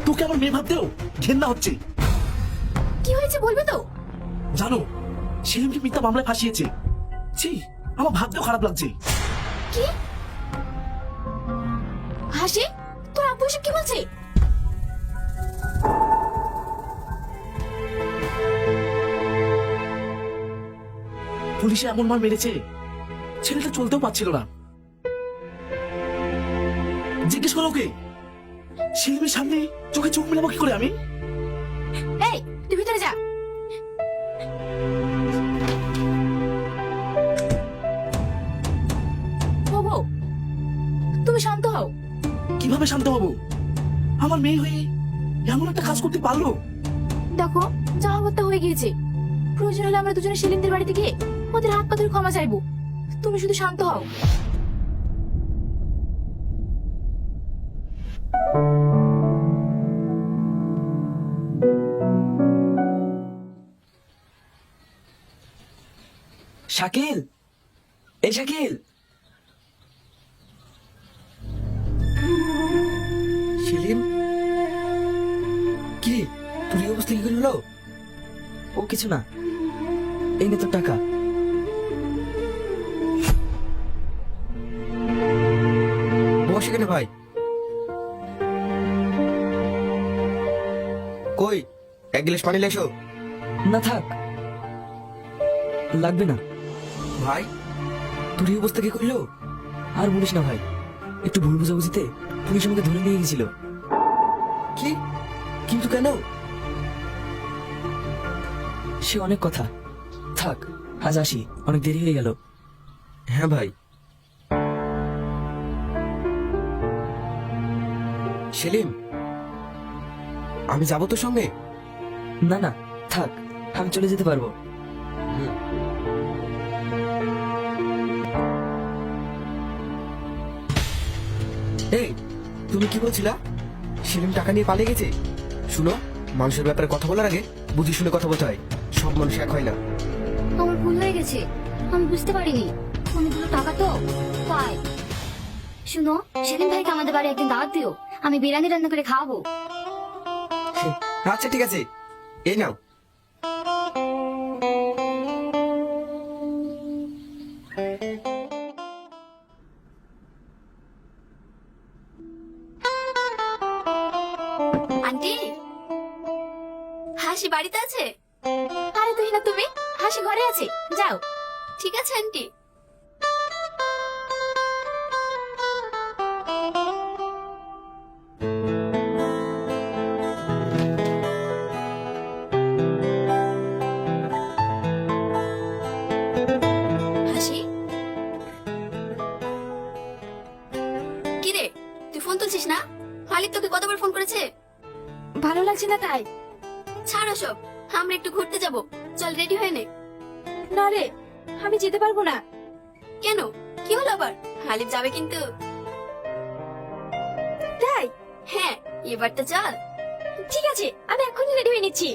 তোকে আমার মেয়ে ভাবতেও ঘেন্না হচ্ছে। কি হয়েছে বলবে তো? জানো, সেলিমকে মিথ্যা মামলায় ফাঁসিয়েছে। ছি, আমার ভাবতেও খারাপ লাগছে। কি? হাসি, তোর আব্বু এসব কি বলছে? পুলিশে এমন মার মেরেছে, ছেলেটা চলতেও পারছিল না। জিজ্ঞেস করো ওকে, সেলিমের সামনে চোখে চোখ মেলাবো কি করে আমি? এই, তুই ভিতরে যা। বাবু, তুমি শান্ত হও। কিভাবে শান্ত হবো? আমার মেয়ে হয়ে এমন একটা কাজ করতে পারলো? দেখো, যা হবার তা হয়ে গিয়েছে। প্রয়োজন হলে আমরা দুজনে সেলিমদের বাড়িতে গিয়ে ওদের হাত পা ধরে ক্ষমা চাইবো। তুমি শুধু শান্ত হও। শাকিল, এই শাকিল। সেলিম, কি তোর এই অবস্থা কি করে হলো? ও কিছু না, এই নে তোর টাকা। বস এখানে ভাই। কই, এক গ্লাস পানি লেসো। না থাক, লাগবে না। ভাই, তোর এই অবস্থা কি করলো? আর বলিস না ভাই, একটু ভুল বুঝাবুঝিতে পুলিশ আমাকে ধরে নিয়ে গেছিল। কি? কিন্তু কেন? সে অনেক কথা, থাক আজ আসি, অনেক দেরি হয়ে গেল। হ্যাঁ ভাই। সেলিম, আমি যাবো তোর সঙ্গে? না না থাক, আমি চলে যেতে পারবো। এই, তুমি কি বলছিলা? সেলিম টাকা নিয়ে পালিয়ে গেছে? শুনো, মানুষের ব্যাপারে কথা বলার আগে বুঝে শুনে কথা বলতে হয়। সব মানুষ এক হয় না। আমার ভুল হয়ে গেছে, আমি বুঝতে পারিনি। অনেকগুলো টাকা তো পাই। শুনো, সেলিম ভাইকে আমাদের বাড়ি একদিন দাওয়াত দিও, আমি বিরিয়ানি রান্না করে খাওয়াবো। আচ্ছা ঠিক আছে, এই নাও। আন্টি, হাসি বাড়িতে আছে? আরে তুই না, তুমি হাসি ঘরে আছে, যাও। ঠিক আছে আন্টি। হাসি, কি রে, তুই ফোন তুলছিস না? মালিক তোকে কতবার ফোন করেছে? ভালো লাগছে না তাই। ছাড়ো সব, আমরা একটু ঘুরতে যাব, চল রেডি হয়ে নে। না রে, আমি যেতে পারবো না। কেন, কি হলো আবার? হালিফ যাবে কিন্তু। তাই? হ্যাঁ, এবার তো চল। ঠিক আছে, আমি এখনই রেডি হয়ে নিচ্ছি।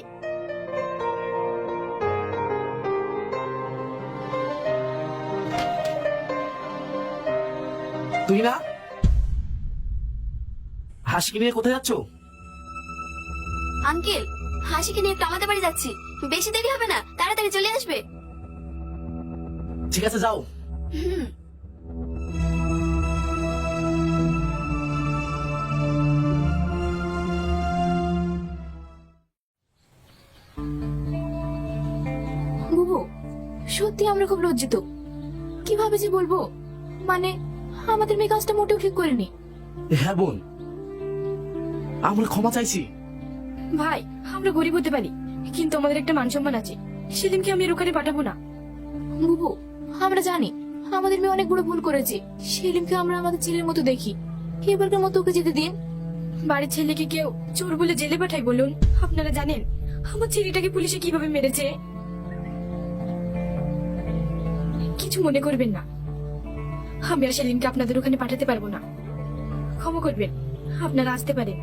তুই না, হাসিকে নিয়ে কোথায় যাচ্ছ? আঙ্কেল, হাসিকে নিয়ে একটু আমাদের বাড়ি যাচ্ছি, বেশি দেরি হবে না, তাড়াতাড়ি চলে আসবে। ঠিক আছে, যাও। হুম। বুবু, সত্যি আমরা খুব লজ্জিত। কিভাবে যে বলবো, মানে আমাদের মেয়ে কাজটা মোটেও ঠিক করেনি। হ্যাঁ বোন, আমরা ক্ষমা চাইছি। ভাই, আমরা গরিব হতে পারি, কিন্তু আমাদের একটা মান সম্মান আছে। সেলিমকে আমি এর ওখানে পাঠাবো না। বুবু, আমরা জানি আমাদের মেয়ে অনেক বড় ভুল করেছে। সেলিমকে আমরা আমাদের ছেলের মতো দেখি, এবারকার মতো ওকে যেতে দিন। বাড়ির ছেলেকে কেউ চোর বলে জেলে পাঠায় বলুন? আপনারা জানেন আমার ছেলেটাকে পুলিশে কিভাবে মেরেছে? কিছু মনে করবেন না, আমি আর সেলিমকে আপনাদের ওখানে পাঠাতে পারবো না। ক্ষমা করবেন, আপনারা আসতে পারেন।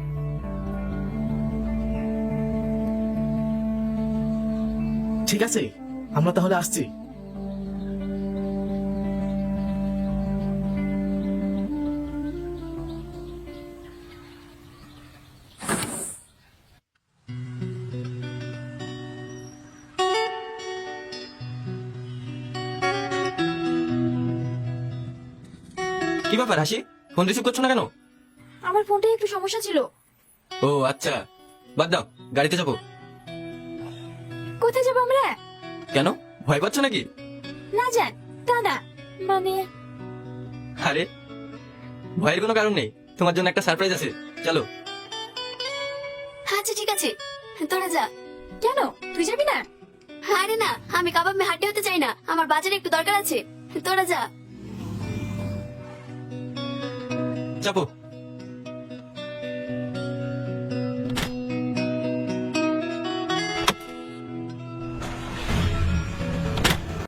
ঠিক আছে, আমরা তাহলে আসছি। কি ব্যাপার হাসি, ফোন রিসিভ করছো না কেন? আমার ফোনটায় একটু সমস্যা ছিল। ও আচ্ছা, বাদ দাও, গাড়িতে যাবো। কোথায় যাবো আমরা? কেন, ভয় পাচ্ছ নাকি? না যান, তা না, মানে আরে ভয়ের কোনো কারণ নেই, তোমার জন্য একটা সারপ্রাইজ আছে, চলো। আচ্ছা ঠিক আছে, তোরা যা। কেন, তুই যাবি না? আরে না, আমি কাবাব মে হাঁটতে হতে চাই না, আমার বাজারে একটু দরকার আছে, তোরা যা। চাপো।